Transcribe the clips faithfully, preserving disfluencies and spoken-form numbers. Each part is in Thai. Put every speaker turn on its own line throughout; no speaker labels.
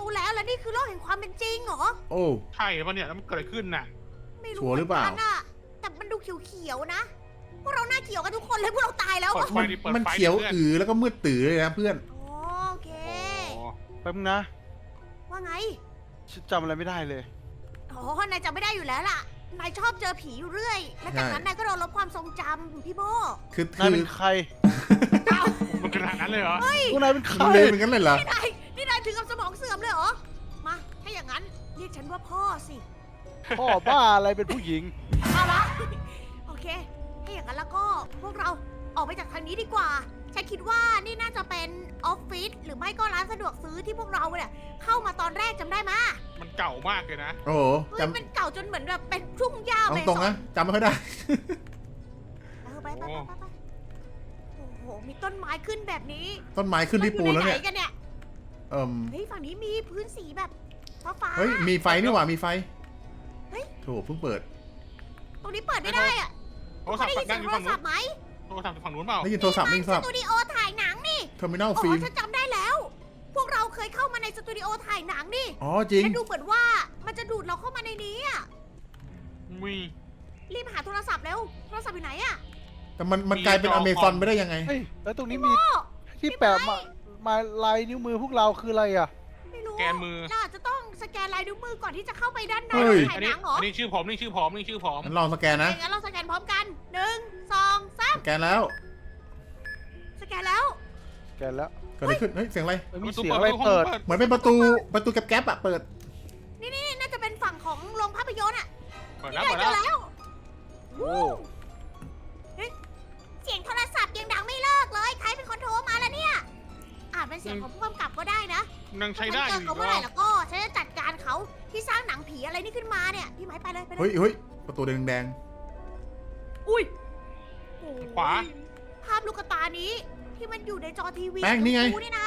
ตูแล้วแล้วนี่คือโลกแห่งความเป็นจริงเหรอ
โอ้
ใช่ปะเนี่ยแล้วมันเกิดอะไรขึ้นน่ะ
ไม่
ชัวร์หรือเปล่า
มืนกันอะแต่มันดูเขียวๆนะ พวกเราหน้าเขียวกันทุกคนเลยพวกเราตายแล้ว
เปิ
อะ
ดไฟดิเปิด
มัน
ไฟดิ
เขียว
พื่อน
อือแล้วก็มืดตื่อเลยนะเพื่อน
โอเค
โอ้
แป๊บนึงนะ
ว่าไง
ฉันจำอะไรไม่ได้เลย
อ๋อนายจำไม่ได้อยู่แล้วล่ะ นายชอบเจอผีอยู่เรื่อย และจากนั้น
ใช่
นายก็โดนลบความทรงจำพี่โบ
คือ
นา
คื
ย
อ
เป็นใคร
มันขนาดนั้นเลยเหรอ
พวกนายเป็นใคร
มันเลยเหมือนกันเลยเหรอ
นี่นายนี่นายถึงกับสมองเสื่อมเลยเหรอ มา ถ้าอย่างนั้นเรียกฉันว่าพ่อสิ
พ่อบ้าอะไรเป็นผู้หญิง
เอาละ โอเค ถ้าอย่างนั้นแล้วก็พวกเราออกไปจากทางนี้ดีกว่า ฉันคิดว่านี่น่าจะเป็นออฟฟิศหรือไม่ก็ร้านสะดวกซื้อที่พวกเราเนี่ยเข้ามาตอนแรกจำได้ไหมย
มันเก่ามากเลยนะ
โอ้โห
เฮ้ย
จำ
มันเก่าจนเหมือนแบบเป็นทุ่งหญ้า
เอา
ไป
ตรงนะจำไม่ค่อยได้
เออไปไปไปไปไปโอ้โห มีต้นไม้ขึ้นแบบนี้
ต้นไม้ขึ้นที่ปูนแล้วเนี่ย
ราอใไหกันเนี่ย
เอิ่ม
เฮ้ยฝั่งนี้มีพื้นสีแบบฟ้าฟ้าๆ
เฮ้ยมีไฟนี่หว่ามีไฟ
เฮ้ย
โถเพิ่งเปิด
ตรงนี้เปิดไม่ได้อะ
โทรศัพท์
ได้ยิน
นั่
เสี
ง
ย
อง ยู่
โทร
ฝั่งนู้น
ศัพท์ไหม
โทรศัพท์อยู่ฝั่งนู้นเปล่า
ได้ยินโทรศัพท์ได้ยินโทร
ส
ศัพท์
ตูดิโอถ่ายหนังนี่
เทอร์มินอล
อ๋
ฟิล์
อ
ม
ฉันจำได้แล้ว พวกเราเคยเข้ามาในสตูดิโอถ่ายหนังนี่
อ๋อจริง
และดูเหมือนว่ามันจะดูดเราเข้ามาในนี้อะ
มี
รีบหาโทรศัพท์เร็ว โทรศัพท์อยู่ไหนอะ
แต่มันมันกลายเป็นอเมซอนไปได้ยังไง
เฮ้ย แล้วตรงนี้มี
โอ้
ที่แปะมามาลายนิ้วมือพวกเราคืออะไรอ่ะ
ไม่รู้
แกนมือ
เราอาจจะต้องสแกนลายนิ้วมือก่อนที่จะเข้าไปด้านใน
เฮ้ย
ถ่า
อั
ย
น
ห
นี้
นังเหรอ
อันนี้ชื่อผมนี่ชื่อผมนี่ชื่อผม
งั้นลองสแกนนะ
งั้นเราสแกนพร้อมกันหนึ่งสองสาม
สแกนแล้ว
สแกนแล้ว
แกแล้ว
เกิดอะไรขึ้น เฮ้ย เสียงอะไร
เอ้ยมีเสียงอะไรเปิด
เหมือนเป็นประตู ประตูแก๊บๆอะเปิด
นี่นี่น่าจะเป็นฝั่งของโรงภาพยนตร์อะ
เปิด
นี่
แล้ว
ไง
เปิด
เจ
แล้ว
อแล้ว
โอ้
เฮ้ยเสียงโทรศัพท์ยังดังไม่เลิกเลย ใครเป็นคนโทรมาแล้วเนี่ย อาจเป็นเสียงของผู้กำกับก็ได้นะ
ยังใช้ได้อ
ถ้า
ยู่
ฉันเจอเขา
อีก
เมื่อ
เห
ไห
ร
ร่
อ
แล้วก็ฉันจะจัดการเขาที่สร้างหนังผีอะไรนี่ขึ้นมาเนี่ย พี่ไม้ไปเลยไปเล
เฮ้ย
ย
เฮ้ยประตูแดง
อุ้ยโอ้ย
ขวา
ภาพลูกตานี้ ที่มันอยู่ในจอทีวี
แป้งนี่ไง
ดูนี่นะ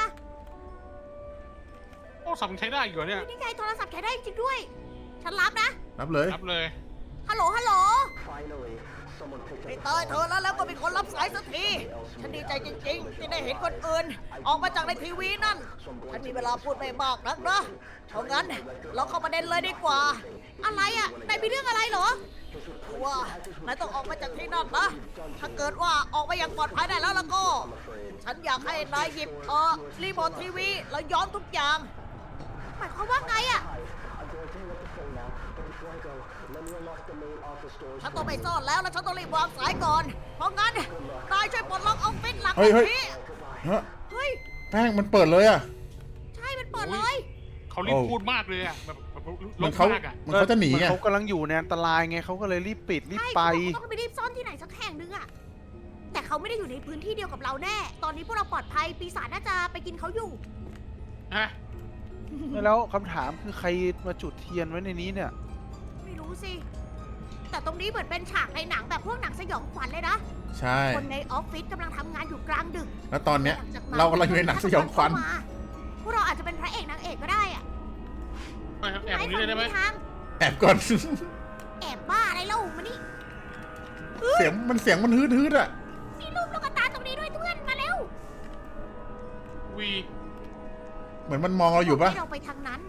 โทรศัพท์ยังใช้ได้อยู่เหรอเนี่ย
นี่ไงโทรศัพท์ใช้ได้จริงด้วย ฉันรับนะ
ๆรับเลย
รับเลย
ฮัลโหล ฮัลโหลไอ้เตยเธอแล้วแล้วก็เป็นคนรับสายสักที ฉันดีใจจริงๆ ที่ได้เห็นคนอื่น ออกมาจากในทีวีนั่น ฉันมีเวลาพูดไม่มากนักนะเพราะงั้นเราเข้าประเด็นเลยดีกว่า อะไรอ่ะนายมีเรื่องอะไรเหรอคือว่านายต้องออกมาจากที่นั่นนะ ถ้าเกิดว่าออกมาอย่างปลอดภัยได้แล้วแล้วก็ ฉันอยากให้นายหยิบเออรีโมททีวีแล้วย้อนทุกอย่าง หมายความว่าไงอ่ะ ฉันต้องไปซ่อนแล้วแล้วฉันต้องรีบวางสายก่อน เพราะงั้นนายช่วยปลดล็อกออฟฟิศหลัง
เฮ้ยเฮ้ย
นี้
ฮะ
เฮ้ย
แป้งมันเปิดเลยอะ
ใช่ มันเปิดเลย
เขารีบ
โอ้
พูดมากเลยอะแบบแบบ
เหมื
ล
อน
บ
เขา
มากอะ
เหมือนเขาจะหนี
เหมือ
ไง
เขากำลังอยู่ในอันตรายไงเขาก็เลยรีบปิดรีบ
ใช่
ไป
เขาบอกว่าต้องไปรีบซ่อนที่ไหนสักแห่งหนึงอะแต่เขาไม่ได้อยู่ในพื้นที่เดียวกับเราแน่ ตอนนี้พวกเราปลอดภัย ปีศาจน่าจะไปกินเขาอยู่
ฮะ
แล้วคำถามคือใครมาจุดเทียนไว้ในนี้เนี่ย
ไม่รู้สิ แต่ตรงนี้เหมือนเป็นฉากในหนังแบบพวกหนังสยองขวัญเลยนะ
ใช่
คนในออฟฟิศกำลังทำงานอยู่กลางดึก
แล้วตอนเนี้ย
หลังจากนั้น
เรากำลังอยู่ในหนังสยองขวัญ
เข้ามาพวกเราอาจจะเป็นพระเอกนางเอกก็ได้อะ
ไปครับแอบตรงนี้เลยได้ไหม
ทาง
แอบก่อน
แอบบ้าอะไรเล่ามานี่
เสียงมันเสียงมันฮืดฮืดๆอะ
มีรูปลูกตาตรงนี้ด้วยเพื่อนมาเร็ว
วี
เหมือนมันมองเราอยู่ปะ
ให้เราไปทางนั้น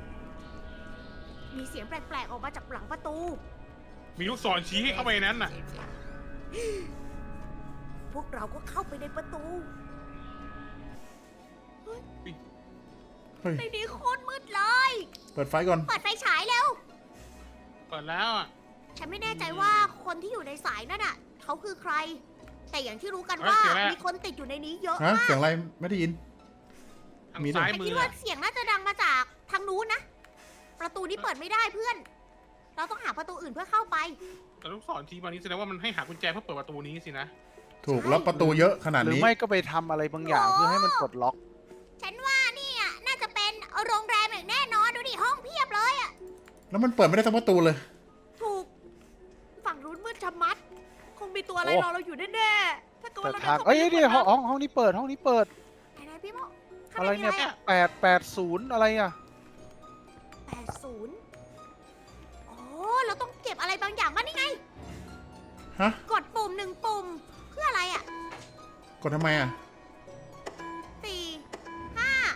มีเสียงแปลกๆออกมาจากหลังประตู
มีลูกศรชี้ให้เข้าไปในนั้นน่ะ
พวกเราก็เข้าไปในประตู
เฮ้ย
ในนี้โคตรมืดเลย
เปิดไฟก่อน
เปิดไฟฉายเร็ว
เปิดแล้วอะ
ฉันไม่แน่ใจว่าคนที่อยู่ในสายนั่นน่ะเขาคือใคร แต่อย่างที่รู้กันว่ามีคนติดอยู่ในนี้เยอะ
ฮะ
มาก
เสียงอะไรไม่ได้ยิน
ทาง
มีด้วย
ซ้าย
แต่
มื
คิด
อ
ว่า
อะ
เสียงน่าจะดังมาจากทางนู้นนะ ประตูนี้เปิดไม่ได้เพื่อน เราต้องหาประตูอื่นเพื่อเข้าไป
แต่ลูกศรชี้มานี้แสดงว่ามันให้หากุญแจเพื่อเปิดประตูนี้สินะ
ถูกแล้วประตูเยอะขนาด
หรือ
นี้
ไม่ก็ไปทำอะไรบางอย่างเพื่อให้มันปลดล็อก
ฉันว่านี่อ่ะน่าจะเป็นโรงแรมอย่างแน่นอนดูดิห้องเพียบเลยอ่ะ
แล้วมันเปิดไม่ได้ทั้งประตูเลย
ถูก ฝั่งนู้นมืดชะมัด คงมีตัวอะไร
โอ้
รอเราอยู่แน่ๆถ้าเกิด
แต่
ว่าเรา
ทาง
เข้าไป
เอ้ย
ใน
นี่ห้อง
ห้
ห้
อ
อง งห้องนี้เปิดห้องนี้เปิด
ไหนๆพี่โมข้าง
อะไร
ในมี
เนี่ย
อะไรอ่ะ
แปดแปดศูนย์อะไรอ่ะ
แปดศูนย์โอ้เราต้องเก็บอะไรบางอย่างมานี่ไง
ฮะ
กดปุ่มหนึ่งปุ่ม เพื่ออะไรอ่ะ
กดทำไมอะ
สี่ห้า
เอ้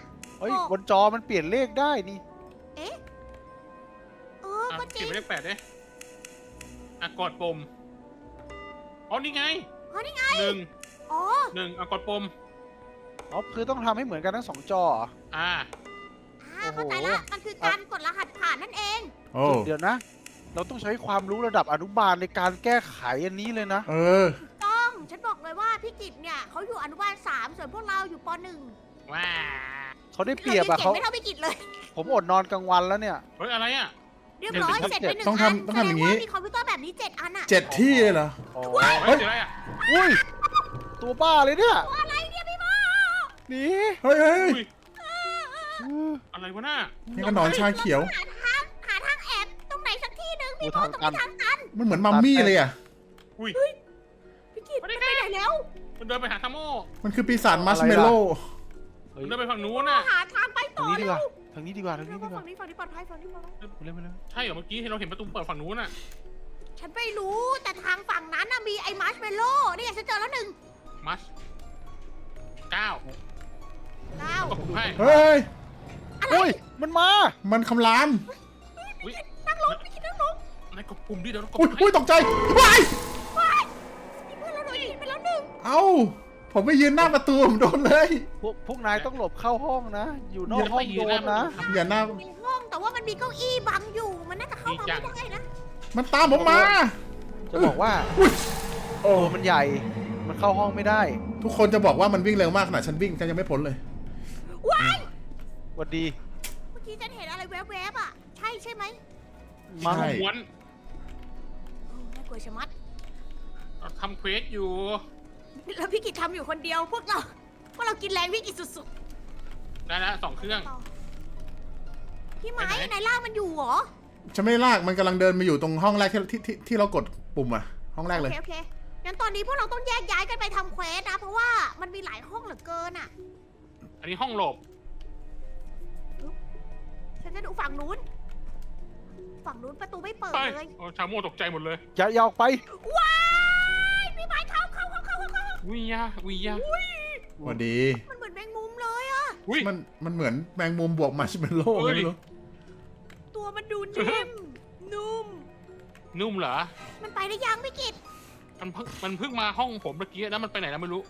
ฮ้ย
โอ้
บนจอมันเปลี่ยนเลขได้นี่
เอ๊ะเออ
อ่ะ
ก็จ
เก็
ริ
บ
ง
ไว้เลขแปดเด้อ่ะกดปุ่มอ๋อนี่ไง
อ๋อนี่ไง
หนึ่ง
อ๋อ
หนึ่งอ่ะกดปุ่ม
อ๋อ คือต้องทำให้เหมือนกันทั้งสองจอเหรอ
อ่า
อ่าเข้าใจละมันคือการกดรหัสผ่านนั่นเอง
โอ้
เดี๋ยวนะ เราต้องใช้ความรู้ระดับอนุบาลในการแก้ไขอันนี้เลยนะ
เออ
ต้องฉันบอกเลยว่าพี่กิตเนี่ยเขาอยู่อนุบาลสามส่วนพวกเราอยู่ปหนึ่ง
ว้า
เขาได้เปรียบอะ
เก่
เขา
งไม่เท่าพี่กิตเลย
ผมอดนอนกลางวันแล้วเนี่ย
เฮ้ยอะไรอ่ะ
เรียบร้อย
เดี๋ยว
เสร็จไปหนึ่ง
ต้อง
อัน
ทำต้องทำอย่างนี้
แสดว่ามีคอมพิวเตอร์แบบนี้เจ็ดอันอะ
เจ็ดที่เลยเหรอ
อ๋อ
เฮ้ยเจออะไรอ่ะ
อุ้ย ตัวบ้าเลยเนี่ย
อะไรเนี่ยพี่โม
หนี
เฮ้ยเฮ้ย
อุ้ยอะไรวะน่า
นี่ก็หนอนชาเขียว
หาทางหาทางแอบตรงไหนสักที่หนึ่ง
โอ้
พี่โม
ทาง
ตรง
ตัน
นี้ทางตัน
มันเหมือนมัมมี่เลยอ่ะ
อุ้ย
พี่กิตมันไปไหนแล้ว
มันเดินไปหาทามโม
มันคือปีศาจมัชเมลโล่
เฮ้ย
มันเดินไปฝั่งนู้นน่ะ
หาทางไป
ทา
ต่
ง
อ
นี้ดี
เร็
กว่าว ทางนี้ดีกว่าทางนี้ดีกว่า
ฝั่งนี้ฝั่งนี้ปลอดภัยฝั่งนี้ปลอดภัย
มาเร็วมาเร็ว
ใช่เหรอเมื่อกี้เราเห็นประตูเปิดฝั่งนู้นน่ะ
ฉันไม่รู้แต่ทางฝั่งนั้นน่ะมีไอ้มาร์ชเมลโล่นี่ไงฉันเจอแล้วหนึ่ง
มัสเก้า
เก้า
ก็ผมให้
เฮ้ย
อะไร
เฮ้ย มันมา
มันคำราม
อุ้ย
นั่งลงพี่กิตนั่งลง
นายกดปุ่มดิเดี๋ยวเรากด
อุ้ย
ให้
อุ้ยตกใจว้าย
ว้ายมีเพื่อนเราโดนยิงไปแล้วหนึ่ง
เอ้า ผมไปยืนหน้าประตูผมโดนเลย
พวกพวกนายต้องหลบเข้าห้องนะ อยู่นอกห้องโดนนะ
อย่าหน้า
มีห้องแต่ว่ามันมีเก้าอี้บังอยู่มันน่าจะเข้ามาไม่ได้นะ
มันตามผมมา
จะบอกว่า
โอ้
ตัวมันใหญ่ มันเข้าห้องไม่ได้
ทุกคนจะบอกว่ามันวิ่งเร็วมากขนาดฉันวิ่งฉันยังไม่พ้นเลย
ว้าย
หวัดดี
เมื่อกี้ฉันเห็นอะไรแวบๆอ่ะใช่ใช่ไหม
มั้ง
ใช่
ม้วน
โอ้น่ากลัวชะมัด
เราทำเควสอยู่
แล้วพี่กิตทำอยู่คนเดียวพวกเราพวกเรากินแรงพี่กิตสุด
ได้แล้วสองเครื่อง
ๆพี่ไม้
ไปไหน
ในล่างมันอยู่เหรอ
ฉันไม่ได้ลากมันกำลังเดินมาอยู่ตรงห้องแรกที่ที่ที่ที่เรากดปุ่มอะห้องแรก
โอ
เลย
เคโอเคงั้นตอนนี้พวกเราต้องแยกย้ายกันไปทำเควสนะเพราะว่ามันมีหลายห้องเหลือเกินอ่ะ
อันนี้ห้องหลบ
ฉันจะดูฝั่งนู้น ฝั่งนู้นประตูไม่เปิด
ไป
เลย
โอ้ชาโม่ตกใจหมดเลย
อย่าอย่าออกไป
ว้ายพี่ไม้เข้าเข้าเข้าเข้าเข้าเข้า
วิยาวิยา
สวัสดี
มันเหมือนแมงมุมเลยอะ
อุ้ย
มันมันเหมือนแมงมุมบวกมัชเมลโล่
เฮ้ย
ไม่รู้
ตัวมันดูนิ่ม นุ่ม
นุ่มเหรอ
มันไปได้ยังพี่กิต
มันเพิ่งมันเพิ่งมาห้องผมเมื่อกี้แล้วมันไปไหนแล้วไม่รู้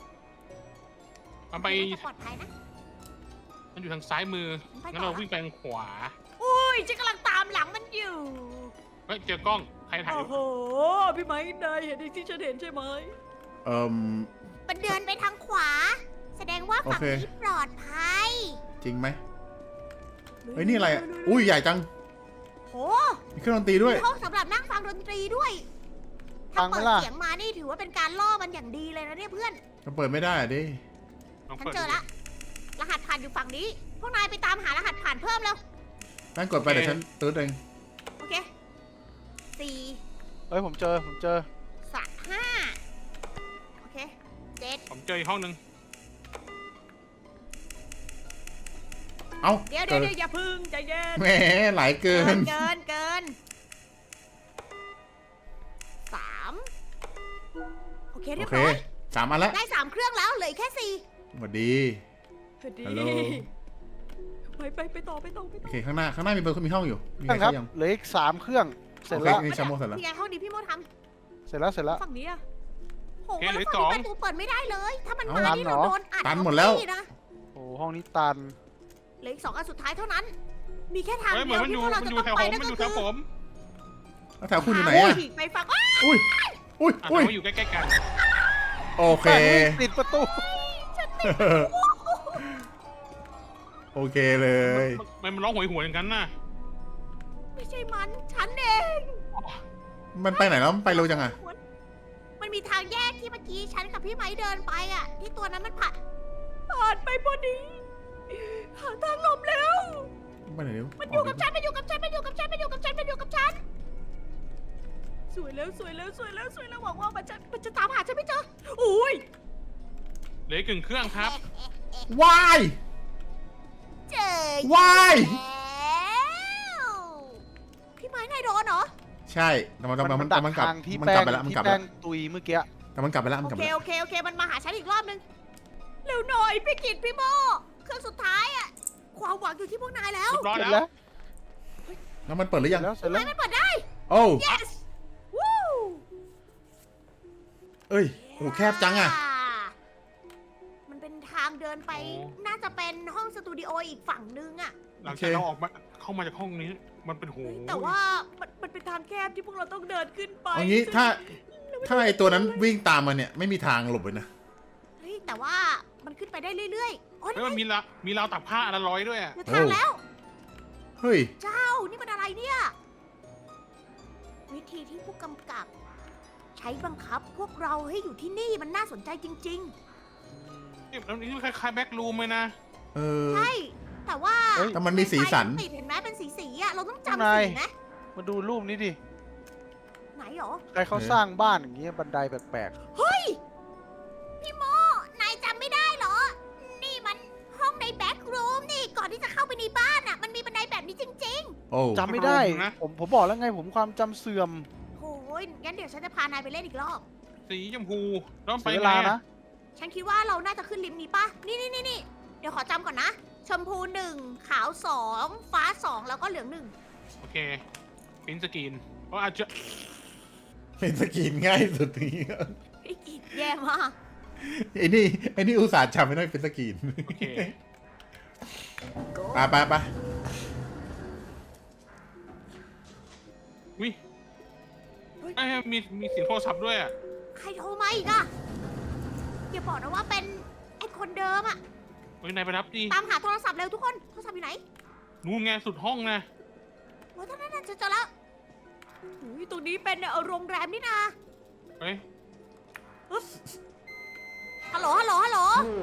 มันไป
น่าจะปลอดภัยนะ
มันอยู่ทางซ้ายมือ
ไป
งั้น
ต่อ
เราวิ่งไปทางขวา
อุ้ยฉันกำลังตามหลังมันอยู่
เฮ้ยเจอกล้อง ใครถ่ายอยู่
โอ้โห พี่ไม้นายเห็นที่ฉันเห็นใช่ไหม
เอ่ม
มันเดินไปทางขวา แสดงว่าฝั่ง
โอเค
นี้ปลอดภัย
จริงไหมเฮ้ยนี่อะไรอะอุ้ยใหญ่จัง
โห
มีเครื่องดนตรีด้วย
มีห้องสำหรับนั่งฟังดนตรีด้วย
ฟั
ถ้าง
ไหม
เปิด
ล่ะ
เสียงมานี่ถือว่าเป็นการล่อมันอย่างดีเลยนะเนี่ยเพื่อน
จะเปิดไม่ได้อะดิ
ลอง
ฉัน
เปิด
เจอละ รหัสผ่านอยู่ฝั่งนี้ พวกนายไปตามหารหัสผ่านเพิ่มแล้ว
นั่นกดไปเดี๋ยวฉันตื้อเอง
โอเคสี่
เฮ้ย ผมเจอ ผมเจอ
สามห้าโอเคเจ็ด
ผมเจออีกห้องหนึ่ง
เอ้า
เดี๋ยว
เกิ
เดี๋ยวน เดี๋ยวอย่าพึ่งใจเย็น
แหมหลายเกิ
เกิ
น
นเกินเกินสามโอเค
โอ
เรียบ
เค
ร้อย
สามอันแล้ว
ได้สามเครื่องแล้วเหลืออกแค่สี่
สวัสดี ฮัลโหล
ไปไปไปต่อไปต่อไป
โอ
ต่อ
เคข้างหน้าข้างหน้ามีประตูมีห้องอยู่มีใคร
ครั
เข้า
บ
ยัง
เหลืออีกสามเครื่อง เสร็จ
โอเค
แล้ว
นี่ชาโมเสร็จแล้ว
นี่ไงห้องนี้พี่โมท
เสร็จแล้ว เสร็จแล้ว
ำฝั่งนี้อะโห
โอเค
แล้ว
เหลือ
ฝั่ง
สอง
นี้ประตูเปิดไม่ได้เลย ถ้ามัน
เอ้า
มานี่
ตันเหร
เรา
อ
โดนอัด
ตันหมดแล้ว
เข้าที่นะ
โอ้ห้องนี้ตัน
เหลืออีกสองอันสุดท้ายเท่านั้น มีแค่ทาง
เฮ้ยเห
เดี
มือน
ยว
มันอ
ที่
ยู่
พวกเรา
มัน
จะ
อยู่
ต้อ
แถ
ง
ว
ไปนั่นก็คือ
ผมมันอยู่แถวผม
แล้วแถวคุณอยู่ไหน
โอ้
อะ
ยไปฝั่งอ้า
อุ้ยอุ้ย
อ่ะ
อุ้ย
เราอยู่ใกล้ๆกัน
โอเค
ติดประตู
โอเคเลย
มันมันร้องหวยหวยอย่างนั้นน่ะ
ไม่ใช่มัน ฉันเอง
มันไปไหนแล้วมันไปเร็วจังอะ
มันมีทางแยกที่เมื่อกี้ฉันกับพี่ไม้เดินไปอ่ะ ที่ตัวนั้นมันผ่านผ่านไปพอดีหาทางหลบแล้ว
ไปไหนเร็ว
มันอยู่กับฉัน มันอยู่กับฉัน มันอยู่กับฉัน มันอยู่กับฉัน มันอยู่กับฉัน สวยแล้ว สวยแล้ว สวยแล้ว สวยแล้ว หวังว่ามันจะ มันจะตามหาฉันไม่เจออุ้ย
เหลืออีกกึ่งเครื่องครับ
วาย
เจอ
ว้าย
แล้วพี่ไม้นายโดนเหรอ
ใช่แต่มันมันมัน
ดัก
มันกลับ
ทางที่
มัน
แป้
กลับ
ง
ไปแล้วมัน
ที่
กลับไป
แป้
แล้ว
งตุยเมื่อกี้
แต่มันกลับไปแล้วมัน
โอก
ลับ
เค
ไปแล้ว
โอเค โอเค มันมาหาฉันอีกรอบนึง เร็วหน่อย พี่กิตพี่โมรื่องสุดท้ายอะความหวังอยู่ที่พวกนายแล้ว
เรียบร้อย
เสร็จ
แล้
แล้ว ว
แล้วมันเปิดหรือยัง
แล้วเสร็จแล้ว
ไม่เปิดได้
โอ้
yes วู้
เอ้ยโอ้แคบจังอะ
มันเป็นทางเดินไป น่าจะเป็นห้องสตูดิโออีกฝั่งนึงอะ
หลังจากเราออกมาเข้ามาจากห้องนี้ มันเป็นโห
แต่ว่ามันมันเป็นทางแคบที่พวกเราต้องเดินขึ้นไป
เอางี้ถ้าถ้าไอตัวนั้นวิ่งตามมาเนี่ยไม่มีทางหลบเลยนะ
เฮ้ยแต่ว่ามันขึ้นไปได้เรื่อยๆโอ้ย
เฮ้ยมันมีละมีราวตักผ้าอันละร้อยด้วยอะ
เจอทางแล้ว
เฮ้ย
เจ้า นี่มันอะไรเนี่ย วิธีที่ผู้กำกับ ใช้บังคับพวกเราให้อยู่ที่นี่มันน่าสนใจจริง
นี่แล้วนี่คล้ายๆแบ็กรูมเลยนะ
เออ
ๆ ใช่ แต่ว่า
เฮ้ย
แต่มันมีสีสัน
ไฟติดเห็นไหมเป็นสีสีๆอะเราต้อง
ข้าง
จำ
ใน
สีไหม
มาดูรูปนี้ดิ
ไหนหรอ
ใครเขาสร้างบ้านอย่างเงี้ยบันไดแปลก
เฮ้ย พี่โม นายจำไม่ได้เหรอ นี่มันห้องในแบ็กรูมนี่ ก่อนที่จะเข้าไปในบ้านอะมันมีบันไดแบบนี้จริง
โอ้
ๆจำไม่ได้ ผมผมบอกแล้วไงผมความจำเสื่อม
ๆโอ้ยงั้นเดี๋ยวฉันจะพานายไปเล่นอีกรอบ
สีชมพูแล้วมันไป
เสียเว
ไง
ลา
อะ
นะ
ฉันคิดว่าเราน่าจะขึ้นลิฟต์นี้ปะนี่นี่นี่นี่เดี๋ยวขอจำก่อนนะ ชมพูหนึ่งขาวสองฟ้าสองแล้วก็เหลืองหนึ่ง
โอเคปิ้นสกรีนเพราะอาจจะ
เป็นสกรีนง่ายสุดนี้
ไอ้กิดแย่มาก
ไอ้นี่ไอ้นี่อุตส่าห์จำไม่ได้เป็นสกรีน
โอเค
ไปไปไป
วิไอ้ยมีมีเสียงโทรศัพท์ด้วยอะ
ใครโทรมาอีกอะอย่าบอกนะว่าเป็นไอ้คนเดิมอะ
เฮ้ยนายไปรับดิ
ตามหาโทรศัพท์เร็วทุกคนโทรศัพท์อยู่ไหน
นู่นไงสุดห้องนะ
โอ้ยตอนนั้นน่ะเจอเจอแล้วอุ้ยตรงนี้เป็นเอ่อโรงแรมนี่นะ
เฮ้ย
ฮัลโหลฮัลโหลฮัลโหล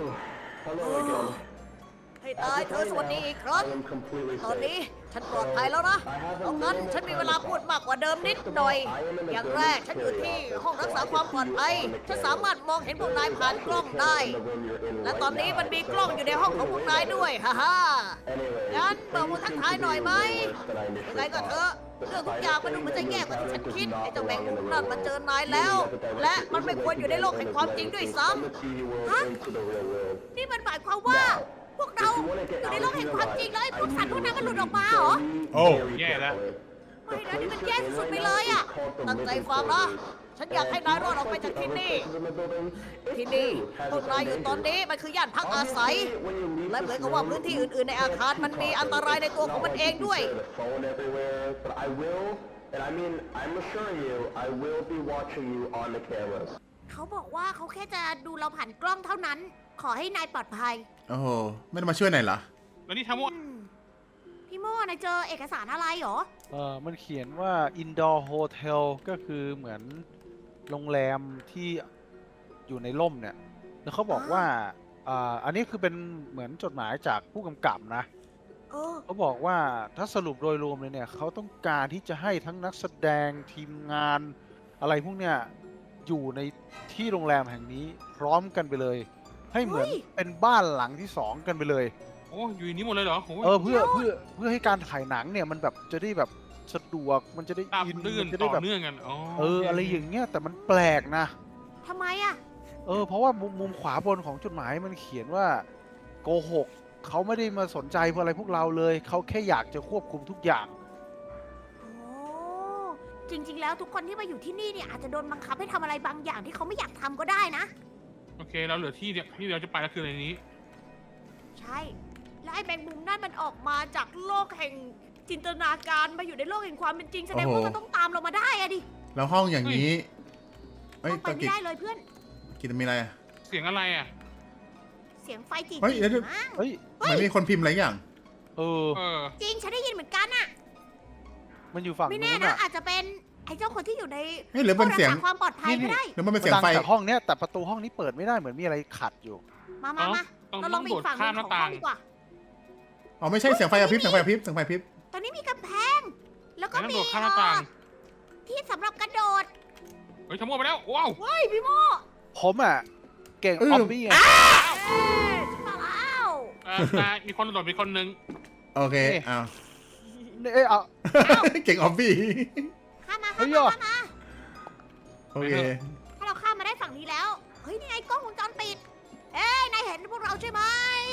Hello again.
ให้ตายเธอสวัสดีอีกครั้ง
I am completely
ตอน
safe.
นี้ฉันปลอดภัยแล้วนะดังนั้นฉันมีเวลาพูดมากกว่าเดิมนิดหน่อย อย่างแรกฉันอยู่ที่ห้องรักษาความปลอดภัย ฉันสามารถมองเห็นพวกนายผ่านกล้องได้ และตอนนี้มันมีกล้องอยู่ในห้องของพวกนายด้วย ฮ่าฮ่า
Anyway,
งั้นบอกมาทักทายหน่อยไหม
than I
ยังไง
initially
ก็เถ
thought.
อะ เรื่องทุกอย่างมันดูเหมือนจะแย่กว่าที่ฉันคิด ไอ้เจ้าแมงมุมนั่นมาเจอนายแล้ว และมันไม่ควรอยู่ในโลกแห่งความจริงด้วยซ้ำ ฮะ
Into the real world.
นี่มันหมายความว่า พวกเราอยู่ในโลกแห่งความจริงแล้วไอ้พวกสัตว์พวกนั้นมันหลุดออกมาเหรอ
โอ้
แย่แล้ว
ไม่นะนี่มันแย่สุดๆไปเลยอะตั้งใจฟังนะ ฉันอยากให้นายรอดออกไปจากที่นี่ ที่นี่พวกนายอยู่ตอนนี้มันคือย่านพักอาศัย และเหมือนกับว่าพื้นที่อื่นๆในอาคารมันมีอันตรายในตัวของมันเองด้วย
Phone everywhere, but I will, and I mean, I'm assuring you, I will be watching you on the cameras.
เขาบอกว่าเขาแค่จะดูเราผ่านกล้องเท่านั้น ขอให้นายปลอดภัย
โอ้โหไม่ได้มาช่วยหน่อยเหรอ
แล้วนี่ทำว่า
อืมพี่โม่นายเจอเอกสารอะไรเหรอ
เออมันเขียนว่า indoor hotel ก็คือเหมือนโรงแรมที่อยู่ในร่มเนี่ย แล้วเขาบอกว่าอ่าอันนี้คือเป็นเหมือนจดหมายจากผู้กำกับนะ
เออ
เขาบอกว่าถ้าสรุปโดยรวมเลยเนี่ยเขาต้องการที่จะให้ทั้งนักแสดงทีมงาน อะไรพวกเนี้ยอยู่ในที่โรงแรมแห่งนี้พร้อมกันไปเลย ให้เหมือน
เฮ้ย
เป็นบ้านหลังที่สองกันไปเลย
โอ้อยู่ในนี้หมดเลยเหรอโอ้ย
เออเพื่อเพื่อเพื่อให้การถ่ายหนังเนี่ยมันแบบจะได้แบบสะดวกมันจะได้
ตาม
อิน
ลื่น
มันจะ
ต่
ได้
อ
แบบ
เนื่องกันอ๋อ
เอออะไรอย่างเงี้ยแต่มันแปลกนะ
ทำไมอะ
เออเพราะว่ามุมมุมขวาบนของจดหมายมันเขียนว่าโกหกเขาไม่ได้มาสนใจพวกอะไรพวกเราเลยเขาแค่อยากจะควบคุมทุกอย่าง
โอ้จริง ๆ แล้วทุกคนที่มาอยู่ที่นี่เนี่ยอาจจะโดนบังคับให้ทำอะไรบางอย่างที่เขาไม่อยากทำก็ได้นะ
โอเคเราเหลือที่เนี่ยที่เราจะไปแล้วคือในนี้
ใช่ และไอ้แมงมุมนั่นมันออกมาจากโลกแห่งจินตนาการมาอยู่ในโลกแห่งความเป็นจริงแสดงว่า
โอ้โห
มันต้องตามเรามาได้อะดิ
แล้วห้องอย่างนี้เอ้ย
ต้องไป
ตะ
ไม่
กิด
ได้เลยเพื่อน
กินมีอะไรอะ
เสียงอะไรอ่ะ
เสียงไฟจี
เฮ้ยเดี๋ยว
ๆมั้ง
เฮ้ย
เฮ้ย
มันมีคนพิมพ์อะไรอย่าง
เออ
เออ
จริงฉันได้ยินเหมือนกันอะ
มันอยู่ฝั่ง
ไม่แน่
นู้น
นะ
อ่ะ
อาจจะเป็นไอ้เจ้าคนที่อยู่ใน
เฮ้ยหรือเป็นเสียง
ห้องรักษาความปลอดภัยก็ได้
หรือมันเป็น
มัน
เสียง
ดัง
ไฟ
จากห้องเนี้ยแต่ประตูห้องนี้เปิดไม่ได้เหมือนมีอะไรขัดอยู่
มามามา
ต้อง
เราลองไปอีกฝั่งหนึงของห้องดีกว่า
อ๋อไม่ใช่เสียงไฟกระพริบเสียงไฟกระพริบเสียงไฟกระพริบ
ตอนนี้มีกำแพง แล้วก็
แล้วต้อง
มี
โดดข้ามหน้าต่าง
เอ่อที่สำหรับกระโดด
เฮ้ยทำมั่วไปแล้วว้าว
เฮ้ยพี่โม
ผมอ่ะ เก่งออมบี้ไง
เอ๊ะฉันมาแล้ว
เออตายมีคนโดดมีคนนึง
โอเค
นี่
อ้าว
เอ้ยเอา
เก่งออบบี้
ข้ามมา
เฮ้
ข้าม
ย
มา
อ่ะ
ข้ามมา
โอเค
ถ้าเราข้ามมาได้ฝั่งนี้แล้ว เฮ้ยนี่ไงกล้องวงจรปิด เอ้ยนายเห็นพวกเราใช่ไหม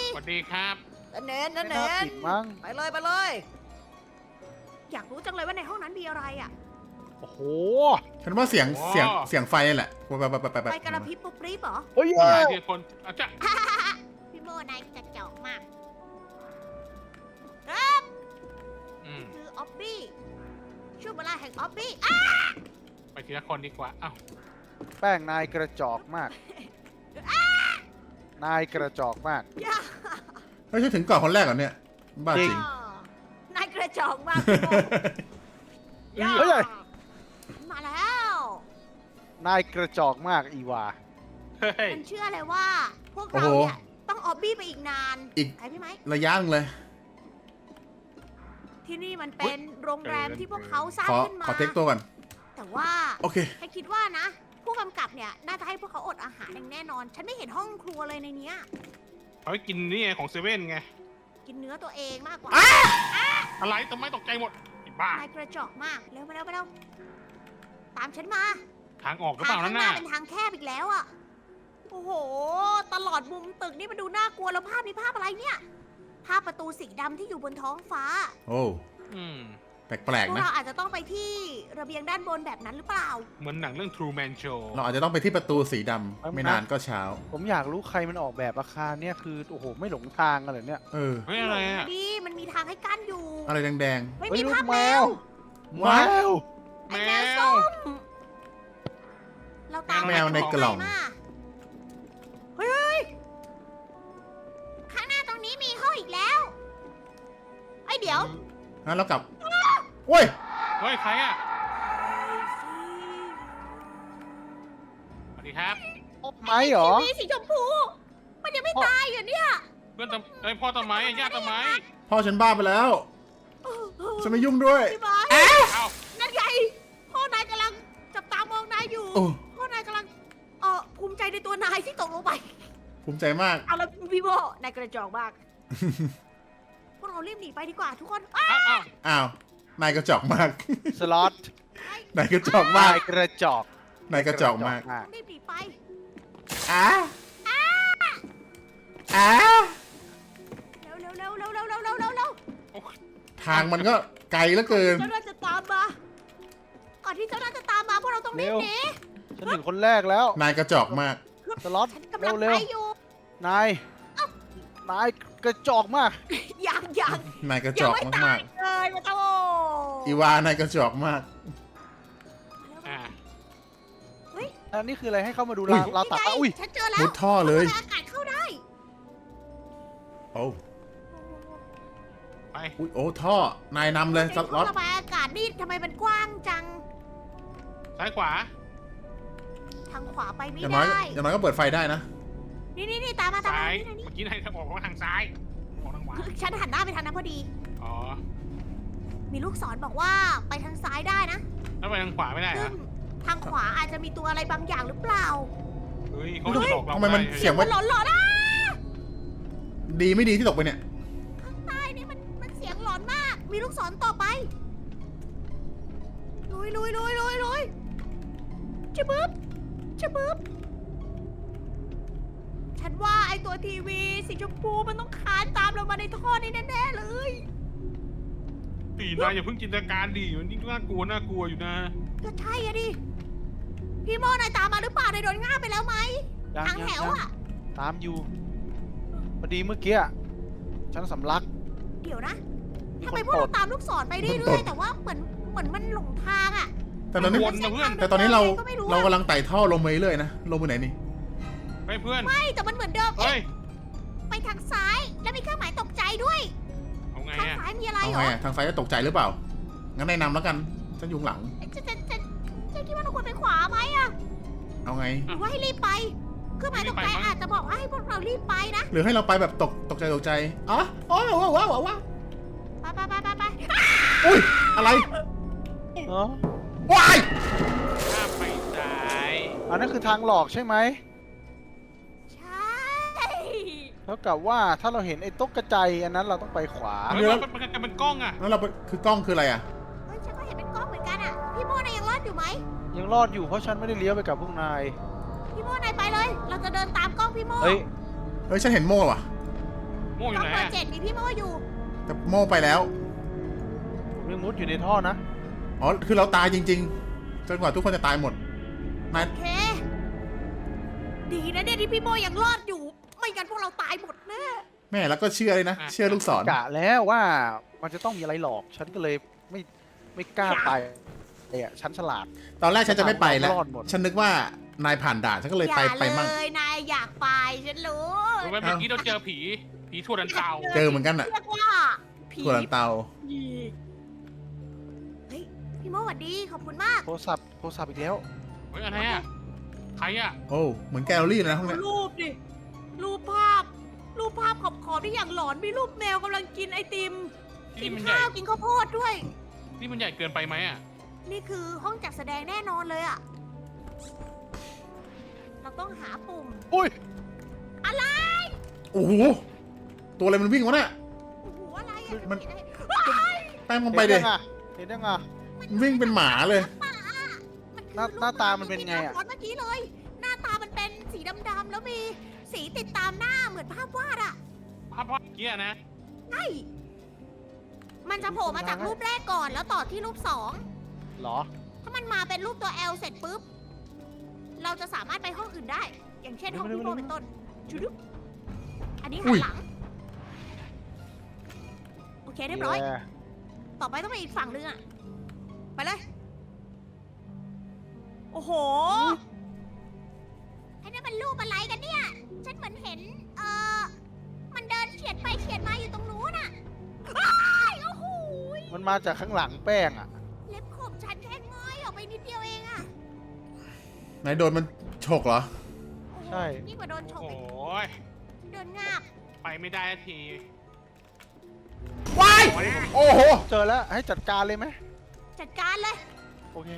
สวัสดีครับ
นั่นเน้นนั่น
ไม่
เน้
น่าน ปิดมั้ง
ไปเลยไปเลย อยากรู้จังเลยว่าในห้องนั้นมีอะไรอ่ะ
โอ้โห
ฉันว่าเสียง
โอ้
เสียงเสียงไฟนี่แหละแบบแบบแบบแบบ
ไปกระพริบปุ๊บปรี๊บเหรอ
เฮ้ย
หลายที่คนอาจจะ
พี่โมนายจะเจาะมาก
อืม
คือออบบี้ช่วงเวลาแห่งออบบี้อ่ะ
ไปทีละคนดีกว่าอ้าว
แป้งนายกระจอกมาก นายกระจอกมาก
อย่า
เฮ้ยฉันถึงก่อนคนแรกเหรอเนี่ยบ้าจริง
นายกระจอกมากพี่โมอย่า
เฮ้ย
มาแล้ว
นายกระจอกมากอีวา
เฮ้ย
ฉันเชื่อเลยว่า พวก
โอ้
เรา
โห
เนี่ยต้องออบบี้ไปอีกนาน
อีก
ใครพี่ไหม
ระยะหนึงเลย
ที่นี่มันเป็นโรงแรมที่พวกเขาสร้าง
ขอ
ขึ้นมา
ขอเทคตัวก่อน
แต่ว่า
โอเค
ฉันคิดว่านะ ผู้กำกับเนี่ยน่าจะให้พวกเขาอดอาหารอย่างแน่นอน ฉันไม่เห็นห้องครัวเลยในเนี้ย
เขาให้กินนี่ไงของเซเว่นไง
กินเนื้อตัวเองมากกว่า
อะไรทำไมตกใจหมดไอ้บ้าน
ายกระจอกมากเร็วไปเร็วไปเร็วตามฉันมา
ทางออกหรือ
ทา
เป
ง
ล่า
ข้า
นั่
ง
น
หน้า
น่ะ
เป็นทางแคบอีกแล้วอะโอ้โห ตลอดมุมตึกนี่มันดูน่ากลัวแล้วภาพนี้ภาพอะไรเนี่ย ภาพประตูสีดำที่อยู่บนท้องฟ้า
โอ้
อืม
แปลก
พว
ๆ
ก
นะ
เราอาจจะต้องไปที่ระเบียงด้านบนแบบนั้นหรือเปล่า
เหมือนหนังเรื่อง True Man Show
เราอาจจะต้องไปที่ประตูสีดำไม่นานก็เช้า
ผมอยากรู้ใครมันออกแบบอาคารเนี่ยคือโอ้โหไม่หลงทางกันเลยเนี่ย
เออ
เฮ้ยอะไรอ่ะ
ดีมันมีทางให้กั้นอยู่
อะไรแดง
ไม่
เฮ้ย
มี
ลู
ภาก พ
แม
แม
ว
ว
ๆ
แม
ว้าว
ว
ไอ้แมวส้มเราตาม
แมวในกล่อง
ไปมาเฮ้ยเฮ้ยข้างหน้าตรงนี้มีห้องอีกแล้วไอ้ยเดี๋ยว
งั้นเรากลับโอ้ย
เฮ้ยใครอ่ะสวัสดีครับ
ไม้เหรอ
ทีวีสีชมพู มันยังไม่ตายเหรอเนี่ย
เพื่อนตำไอยพ่อตำไม้อะญาติตำไม้
พ่อฉันบ้าไปแล้วฉันไม่ยุ่งด้วย
พี่บอย
เอ้า
นั่นไงพ่อนายกำลังจับตามองนายอยู่
โอ้
พ่อนายกำลังเออภูมิใจในตัวนายที่ตกลงไป
ภูมิใจมาก
เอาละพี่โบนายกระจอกมาก พวกเรารีบหนีไปดีกว่าทุกคนอ้า
เอ้าเอ้า
อ้าว นายกระจอกมาก
สล็อต
นายกระจอกมาก
นายกระจอก
นายกระจอกมาก
รีบหนีไป
อ้าอ้า
เร็วเร็วเร็วเร็วเร็วเร็วเร็วเร็วเร็ว
ทางมันก็ไกลเหลือเกิน
เจ้าน่าจะตามมา ก่อนที่เจ้าน่าจะตามมาพวกเราต้องรีบหนี
ฉันถึงคนแรกแล้ว
นายกระจอกมาก
สล็อต
ฉันกำลัง
เร็
ไป
ว
อยู่
ๆนายนายกระจอกมาก
ยังยัง
นายกระจ
ยัง
อก
ไม่
มา
ตาก ยเลยมาโต
ๆ อีวานายกระจอกมาก
อ่า
อันนี้คืออะไรให้เข้ามาดู
อุ้
ราย วราวตักอ่ะอุ้ย
ฉันเจอแล้ว
มุดท่อเลย
อากาศเข้าได้
โอ้
ไป
อุ๊ยโอ้ท่อ นายนำเลยส
ใน
ล็อต
ท่ระบายอากาศนี่ทำไมมันกว้างจัง
ซ้ายขวา
ทางขวาไปไม่
อย่างน้อย
ได้
อย่างน้อยก็เปิดไฟได้นะ
นี่นี่นี่ตามมาตามมา
ซ้าย
นี่นี่
เมื่อกี้นายบอกว่าทางซ้ายบอกทางขวา
คือฉันหันหน้าไปทางนั้นพอดี
อ๋อ
มีลูกศรบอกว่าไปทางซ้ายได้นะ
แล้วไปทางขวาไม่ได้เหร
ซึ่
อง
ทางขวาอาจจะมีตัวอะไรบางอย่างหรือเปล่า
เฮ้ยเขาจะบอกเรา
ทำไมมัน
ด้
เสียง
มันหลอนหลอนๆอ่ะ
ดีไม่ดีที่ตกไปเนี่ย
ข้างใต้นี่มันมันเสียงหลอนมาก มีลูกศรต่อไป ลุยลุยลุยลุยลุยจะบึ๊บจะบึ๊บฉันว่าไอตัวทีวีสีชมพูมันต้องคานตามเรามาในท่อนี้แน่ๆเลย
ตีนายอย่าเพิ่งจินตนาการดิมันยิ่งน่ากลัวน่ากลัวอยู่นะ
ก็ใช่อะดิ พี่โมนายตามมาหรือเปล่านายโดนง่าบไปแล้วไหม
ยัง
ทาง
ยัง
แถว
ยัง
อะ
ตามอยู่พอดีเมื่อกี้อะฉันสำลัก
เดี๋ยวนะ
มี
ทำ
ค
ไม
น
พวก
ปล
เรา
ด
ตามลูกศรไปเรื่
ปล
อย
ด
ๆแต่ว่าเหมือนเหมือนมันหลงทางอะ
แต่ตอนนี้
วนนะเพื่อน
แต่ตอนนี้เรา
ก็ไม่รู้
เรา
อะ
กำลังไต่ท่อลงไปเรื่อยๆนะ ลงไปไหนนี่
ไปเพื่อน
ไม่แต่มันเหมือนเดิม
เฮ้ย
ไปทางซ้าย แล้วมีเครื่องหมายตกใจด้วย
เอาไง
ทาง
อะ
ซ้ายมีอะไร
เอา
เหร
ไง
อ
อะทางซ้ายจะตกใจหรือเปล่า งั้นนายนำแล้วกัน ฉันอยู่ข้างหลัง
จะจะจะจะคิดว่าเราควรไปขวาไหมอะ
เอาไง
หรือว่าให้รีบไป เครื่องหมายตกใจอาจจะบอกว่าให้พวกเรารีบไปนะ
หรือให้เราไปแบบตกตกใจตกใจอ๋อโอ้ว้าวว้าวว้าวว้าว
ไปไปไปไปไป
อุ้ย อะไร
เนาะ
ว้าย
ข้ามไปซ้าย
อันนั้นคือทางหลอกใช่ไหม
ใช่
เท่ากับว่าถ้าเราเห็นไอ้ต๊กกระจายอันนั้นเราต้องไปขวา
เฮ้ยมันมันมันเป็นกล้องอะ
แล้วเราไปคือกล้องคืออะไรอ่ะ
เฮ้ยฉันก็เห็นเป็นกล้องเหมือนกันอะพี่โมนายยังรอดอยู่ไหม
ยังรอดอยู่เพราะฉันไม่ได้เลี้ยวไปกับพวกนาย
พี่โมนายไปเลย เราจะเดินตามกล้องพี่โม
เฮ้ย
เฮ้ย ฉันเห็นโม่ว่ะ
โม่อยู่
ต้อง
ไหน
เบอ
อะ
ร์เจ็ดมีพี่โม่อยู่
แต่โม่ไปแล้ว
ผมยังมุดอยู่ในท่อนะ
อ๋อ คือเราตายจริงๆ จนกว่าทุกคนจะตายหมดนาย
โอเค ดีนะเนี่ยที่พี่โมยังรอดอยู่ ไม่งั้นพวกเราตายหมดแน่
แม่แล้วก็เชื่อเลยนะ เชื่อลูกศร
กะแล้วว่ามันจะต้องมีอะไรหลอก ฉันก็เลยไม่ไม่กล้าไปไอ้อะฉันฉลาด
ตอนแรกฉันจะไม่ไปแล้ว
รอดหมด
ฉันนึกว่านายผ่านด่านฉันก็เลย
อย่า
ไป
เล
ไปมั่ง
ยนายอยากไปฉันรู้
รู้ไหมเมื่อกี้เราเจอผี ผีทั่วดันเตา
เจอเหมือนกันอะ
เรียกว่าผี
ถั่วลันเตา
เฮ้ยพี่โมสวัสดีขอบคุณมาก
โทรศัพท์โทรศัพท์อีกแล้ว
เฮ้ยอะไรอะใครอะ
โอ้ เหมือนแกลเลอรี่เลยนะห้องเนี้ย
รูปดิ รูปภาพ รูปภาพขอบขอบที่อย่างหลอนมีรูปแมวกำลังกินไอติม กิ
นี่
น
มันใหญ่
ข้าวกินข้าวโพดด้วย
นี่มันใหญ่เกินไปไหมอะ
นี่คือห้องจัดแสดงแน่นอนเลยอะเราต้องหาปุ่ม
อุ้ย
อะไร
โอ้โห ตัวอะไรมันวิ่งวะเนี่ย
โอ้โหอะไรอะ
มัน
เห็นอะไร
แป้งลงไปเด็
เห็นยังอะเห็นยังอะ
มันวิ่งเป็นหมาเลย
ป่าอะมันคือ
หน้า
รูป
หน้าตามันเป็นไงอะ
ที่ราเมื่อกี้เลย หน้าตามันเป็นสีดำๆแล้วมีสีติดตามหน้าเหมือนภาพวาดอะ
ภาพภาพเกี้ยนะ
ใช่ มันจะโผล่มาจากรูปแรกก่อนแล้วต่อที่รูปสอง
เหรอ
ถ้ามันมาเป็นรูปตัว L เสร็จปุ๊บ เราจะสามารถไปห้องอื่นได้ อย่างเช่นห้อง
เร็วๆ
พี่โม
เร็วๆ
เป็นต้นชุดุบอันนี้
อุ้
หัน
ย
หลัง โอเคเรียบร้อย
แย่
ต่อไปต้องไปอีกฝั่งนึงอะไปเลย โอ้โหไอ้นั่นมันรูปอะไรกันเนี่ย ฉันเหมือนเห็น เออมันเดินเฉียดไปเฉียดมาอยู่ตรงนู้นอะอ้ายโอ้โห
มันมาจากข้างหลังแป้งอะ
เล็บขบฉันแค่ง้อยออกไปนิดเดียวเองอะ
นายโดนมันฉกเหรอ
โอ้โห
ใช่
นี่งกว่าโดนฉ
โอ้
ก
โห
อีกเดินงาบ
ไปไม่ได้ที
ว้าย โอ้โห
เจอแล้วให้จัดการเลยไหม
จัดการเลย
โอเค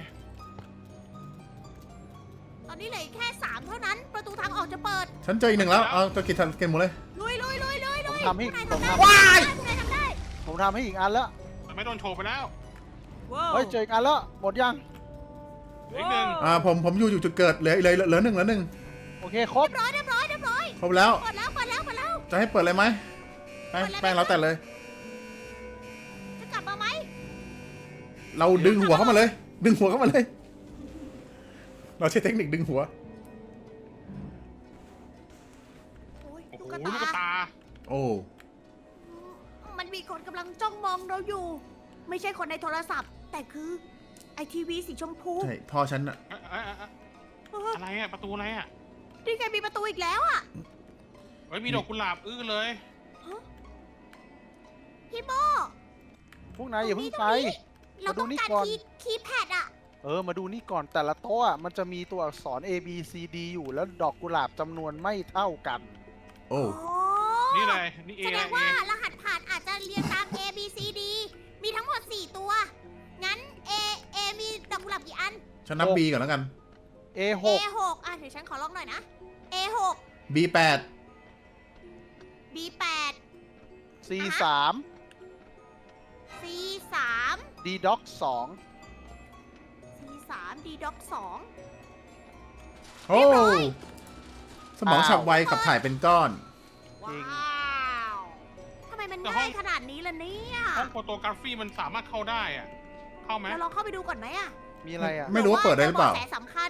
ตอนนี้เหลืออีกแค่สามเท่านั้น ประตูทางออกจะเปิด
ฉันเจออีกหนึ่งแล้ว เอาตัวกินทันเกมหมดเลย
ลุยลุยลุยลุยลุย
ผมทำให้
พวกนาย
ผม
ทำได้
ทำ
ว้าย
พวกนายทำได้
ผมทำให้อีกอันแล้ว
แต่ไม่โดนโชว์ไปแล้ว
ว้าว
เฮ้ยเจออีกอันแล้วหมดยัง
เหลืออีกหนึ่ง
อ่า ผม ผมอยู่อยู่จุดเกิดเหลือเหลือเหลือหนึ่งเหลือหนึ่ง
โอเคครบ
เรียบร้อยเรียบร้อยเรียบร้อย
ครบแล้ว
เปิดแล้วเปิดแล้วเปิดแล้ว
จะให้เปิดเลยไหมแป้งแป้งเราแต่เลย
จะกลับมาไหม
เราดึงหัวเข้ามาเลย ดึงหัวเข้ามาเลย เราใช้เทคนิคดึงหัว
โอ้ย
โอ้
ลู
โห
ก
ลูก
ตา
ตา
โอ้
มันมีคนกำลังจ้องมองเราอยู่ ไม่ใช่คนในโทรศัพท์ แต่คือไอทีวีสีชมพู
ใช่ พ่อฉันอะ
เอ๊ะเอ๊ะเอ๊ะ
เออ
อะไรอะประตูอะไรอะ
นี่ไงมีประตูอีกแล้วอ่ะ
เฮ้ยมีดอกกุหลาบอื้อเลย
พี่โม
พวกนายอย่าเพิ่งไป
เราต้อง
มาดูนี่
การ
ก่อน
คีย์คีย์แพดอ่ะ
เออ มาดูนี่ก่อนแต่ละโต๊ะอะมันจะมีตัวอักษร A B C D อยู่แล้วดอกกุหลาบจำนวนไม่เท่ากัน
โอ้
อ๋อ
นี่เลยนี่เอ
แสดง
เอ
ว่ารหัสผ่านอาจจะเรียงตาม A B C D มีทั้งหมดสี่ตัว งั้น A A มีดอกกุหลาบกี่อัน
ฉันนับ B ก่อนแล้วกัน
A ห
A
ก
หกอ่ะเดี๋ยวฉันขอลองหน่อยนะ A หก
B แปด
B แปด
C สาม
C สาม
D Doc สอง
C สาม D Doc สอง
โอ้ สมองฉับไวขับถ่ายเป็นก้อน
ว้าวทำไมมันง่ายขนาดนี้ล่ะเนี่ย
ห้องโฟโตกราฟีมันสามารถเข้าได้อะเข้าไหม
เราลองเข้าไปดูก่อนไหมอะ
มีอะไรอ่ะ
ไม่รู้ว่าเปิดได้หรือเปล่า
ผื่ว่จบะแสสำคัญ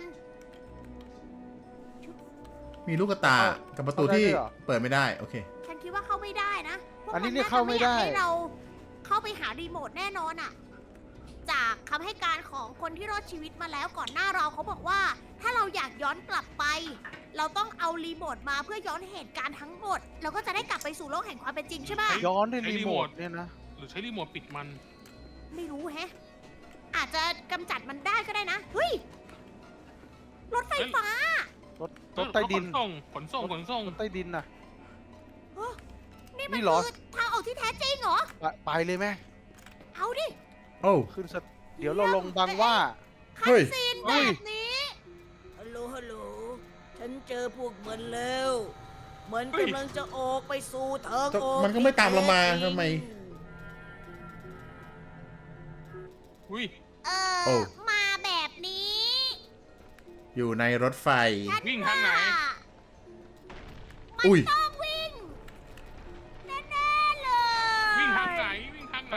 มีลูกตา กับประตูที่เปิดไม่ได้ โอเค
ฉันคิดว่าเข้าไม่ได้นะพวก
อันนี้
มั
เนี่ย
จะ
เข้าไม่ได้
อยกให้เราเข้าไปหารีโมทแน่นอนอะจากคำให้การของคนที่รอดชีวิตมาแล้วก่อนหน้าเราเขาบอกว่า ถ้าเราอยากย้อนกลับไป เราต้องเอารีโมทมาเพื่อย้อนเหตุการณ์ทั้งหมด เราก็จะได้กลับไปสู่โลกแห่งความเป็นจริงใช่ไหม
ย้อนด้วยรีโมทเนี่ยนะ
หรือใช้รีโมทปิดมัน
ไม่รู้แฮะ อาจจะกำจัดมันได้ก็ได้นะ เฮ้ย รถไฟฟ้า
รถรถใต้ดิน
ขนส่งขนส่งขนส่ง
รถใต้ดินน่ะ
นี่มัน
นี่เหรอ
คือทางออกที่แท้จริงเหรอ
ไปไปเลยไหม
เอาดิ
โอ้
ขึ้นสะเดี๋ยวเราลงบังว่า
คั
เฮ้
น
ย
ซีน
เฮ้
แบ
ย
บนี้ ฮัลโหล ฮัลโหล ฉันเจอพวกมันแล้ว มัน
เฮ้ย
กำลังจะออกไปสู่ทาง
แต่
ออก
มันก็ไม่ตามเรามา
ที่แท้จริง
ทำไม
อุ้ย
เอ
โอ้
อ มาแบบนี้
อยู่ในรถไฟ
ฉัน
วิ่งทางไหน
ว่ามัน
อุ้ย
ต้องวิ่ง แ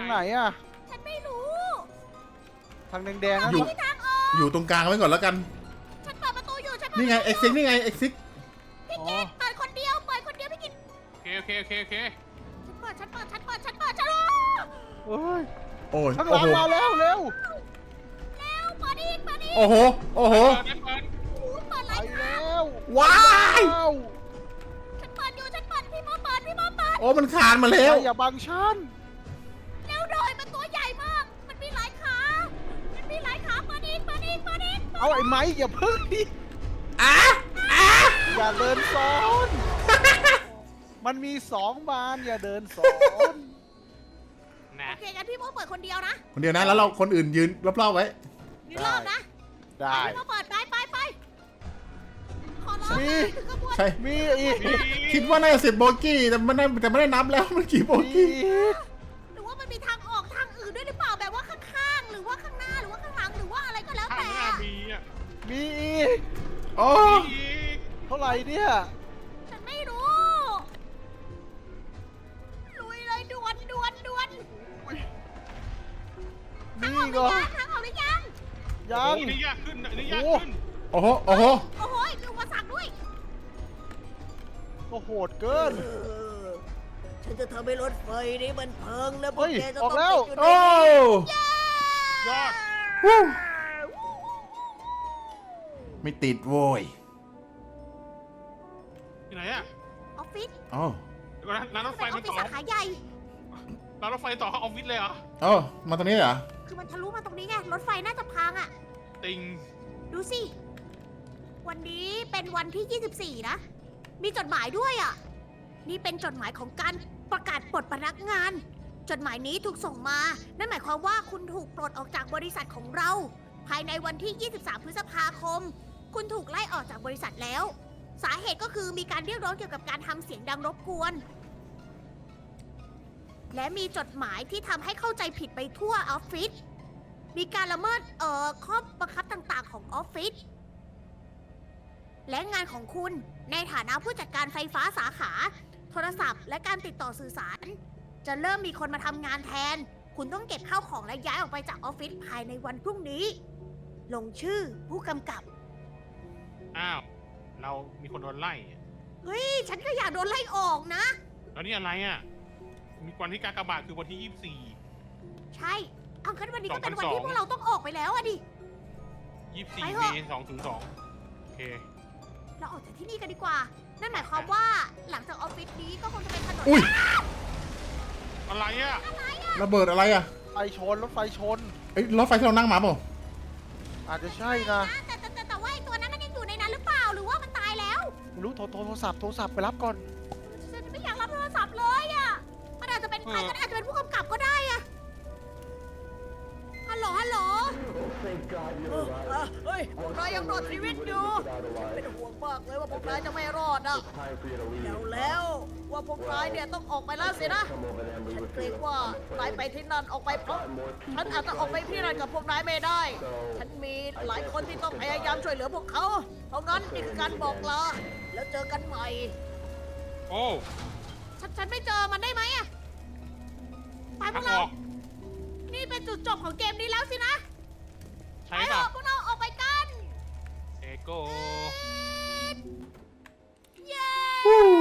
ไหนอ่ะ
ฉันไม่รู้
ทางแดงๆนั่น
อยู่
ปะ
ทางออก
อยู่ตรงกลางไว้ก่อนแล้วกัน
ฉันเปิดประตูอยู่ฉันเปิด
นี่ไงเอ็กซิกนี่ไงเอ็กซิก
พี่กิตเปิดคนเดียวเปิดคนเดียวพี่กิต
โอเคโอเคโอเคโอเค
ฉันเปิดฉันเปิดฉันเปิดฉันเปิดฉัน
เฮ้ย
โอ้ย
ข้างห
โอ้
ลัง
โห
มาแล้วเร็ว
เร็วเปิดอีกเปิดอีก
โอ้โหโอ้โห
เปิดเปิด
โอ้โหเปิด
ไป
ไร
แล้ว
ว้าย
ว้าว
ฉันเปิดอยู่ฉันเปิดพี่โมเปิดพี่โมเปิด
โอ้มันคานมาแล้ว
อย่าบังฉัน
เร็วหน่อยมันตัวใหญ่มาก มันมีหลายขา มันมีหลายขาเปิดอีกเปิดอีกเปิดอีก
เอาไอ้ไม้อย่าพึ่งดิ
อ่ะอ่ะ
อย่าเดินซ้อน มันมีสองบานอย่าเดินซ้อน
นะ
โอเคงั้นพี่โมเปิดคนเดียวนะ
คนเดียวนะแล้วเราคนอื่นยืนรอบๆไว้
มีรอบนะ
ได้
พี่โมเปิดไปไปไปขอร้อง
มี
ถึงกระบวน
ใช่
มีอีก
คิดว่าน่าจะสิบโบกี้แต่มันได้แต่ไม่ได้นับแล้วมันกี่โบ
มี
กี้
อีก
หรือว่ามันมีทางออกทางอื่นด้วยหรือเปล่าแบบว่าข้างๆ หรือว่าข้างหน้าหรือว่าข้างหลังหรือว่าอะไรก็แล้ว
ข้าง
แต่
หน้ามีอ่ะ
มีอีก
โอ้
มีอีก
เท่าไหร่เนี่ย
ฉันไม่รู้ ลุยเลยด่วนด่วนด่วนทาง
มี
ออกห
ก็
รือยังทางออกหรือยัง
โอ้
ยัง
โหนี่ยากขึ้นนะนี่ยากขึ้น
โอ้โหโอ้โห
โอ้โหมีอุปสรรคด้วย
ก็โหดเกิน
ฉันจะทำให้รถไฟนี้มันเพิงและพว
เฮ้
ก
ย
แกจะ
อ
ต้
อ
อก ง
แล้ว
ติดอยู่ใน
โอ้
นี้
ยอด
ฮู้ไม่ติดโว้ย
ที่ไหนอ่ะ
ออฟฟิศ
อ๋อ
เดี๋ยวก่อนนะร้านรถไฟ
เป็นออ
มั
ฟ
น
ฟิศ
ต่อ
สาขาใหญ่
ร้านรถไฟต่อเข้าออฟฟิศเลยเหรอ
เอ๋อมาตรงนี้เหรอ
คือมันทะลุมาตรงนี้ไง รถไฟน่าจะพังอ่ะ
ติง
ดูสิ วันนี้เป็นวันที่ ยี่สิบสี่ นะ มีจดหมายด้วยอ่ะ นี่เป็นจดหมายของการประกาศปลดพนักงาน จดหมายนี้ถูกส่งมา นั่นหมายความว่าคุณถูกปลดออกจากบริษัทของเรา ภายในวันที่ ยี่สิบสาม พฤษภาคม คุณถูกไล่ออกจากบริษัทแล้ว สาเหตุก็คือมีการเรียกร้องเกี่ยวกับการทำเสียงดังรบกวน และมีจดหมายที่ทำให้เข้าใจผิดไปทั่วออฟฟิศ มีการละเมิดเอ่อข้อบังคับต่างๆของออฟฟิศ และงานของคุณในฐานะผู้จัดการไฟฟ้าสาขา โทรศัพท์ และการติดต่อสื่อสาร จะเริ่มมีคนมาทำงานแทน คุณต้องเก็บข้าวของและย้ายออกไปจากออฟฟิศภายในวันพรุ่งนี้ ลงชื่อผู้กำกับ
อ้าว เรามีคนโดนไล่อะ
เฮ้ย ฉันก็อยากโดนไล่ออกนะ
แล้วนี่อะไรอ่ะ มีวันที่กากบาทคือวันที่ยี่สิบสี่
ใช่ เอางั้นวันนี้ก็เป็นวัน
สองพันสอง
ที่พวกเราต้องออกไปแล้วอะดิ
ยี่สิบสี่
ไป
เม
เถอะ
ษสองศูนย์สองโอเค
เราออกจากที่นี่กันดีกว่า นั่นหมายความว่าหลังจากออฟฟิศนี้ก็คงจะเป็นถนน
อุ้ย
อะไรอ่ะ
ระเบิดอะไรอ่ะ
ไฟชนรถไฟชน
เอ้ยรถไฟที่เรานั่งมาเปล่า
อาจจะใช่นะ
แต่แต่แต่แต่ว่าไอ้ตัวนั้นมันยังอยู่ในนั้นหรือเปล่า หรือว่ามันตายแล้ว
ไม่รู้โทรโทรโทรศัพท์โทรศัพท์ไปรับก่อน
ฉันไม่อยากรับโทรศัพท์เลยอะ มันอาจจะเป็นใครก็ได้อาจจะเป็นผู้กำกับก็ได้อะฮัลโหล ฮัลโหล
Oh, thank God you're alive.
เฮ้ย พวกนายยังรอดชีวิตอยู่
Alive.
เป็นห่วงมากเลยว่าพวกนายจะไม่รอดอะ
It's time for you to leave.
แล้วแล้วว่าพวกนายเนี่ยต้องออกไปแล้วสินะ
Come over there and leave
ฉัน
with
เกรง
you.
ว่า
I'm
นาย
afraid.
ไปที่นั่นออกไปเพราะ
Got more people
ฉันอาจจะออกไปที่นั่นกับพวกนายไม่ได้
So,
ฉันมีหลายคนที่ต้องพยายามช่วยเหลือพวกเขา เพราะงั้นนี่คือการบอกลา แล้วเจอกันใหม่
โอ้
ฉันฉันไม่เจอมันได้ไหมอะไปพ
ทาว ง
ก
อ
เรา
อก
นี่เป็นจุดจบของเกมนี้แล้วสินะ
ใช่
ไปเถ
ป่ะ
อะพวกเราออกไปกัน
เอโก
เย้วู้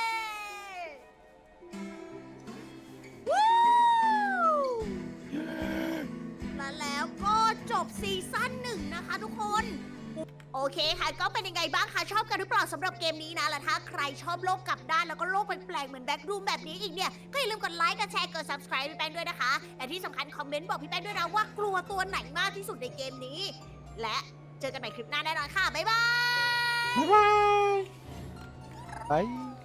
และแล้วก็จบซีซั่นหนึ่งนะคะทุกคน โอเคค่ะ ก็เป็นยังไงบ้างคะ ชอบกันหรือเปล่าสำหรับเกมนี้นะ และถ้าใครชอบโลกกลับด้านแล้วก็โลกแปลกๆเหมือนแบ็กรูมแบบนี้อีกเนี่ย ก็อย่าลืมกดไลค์ กดแชร์ กด subscribe พี่แป้งด้วยนะคะ และที่สำคัญคอมเมนต์บอกพี่แป้งด้วยนะว่ากลัวตัวไหนมากที่สุดในเกมนี้ และเจอกันใหม่คลิปหน้าแน่นอนค่ะ บ๊ายบาย
บ๊ายบาย
ไป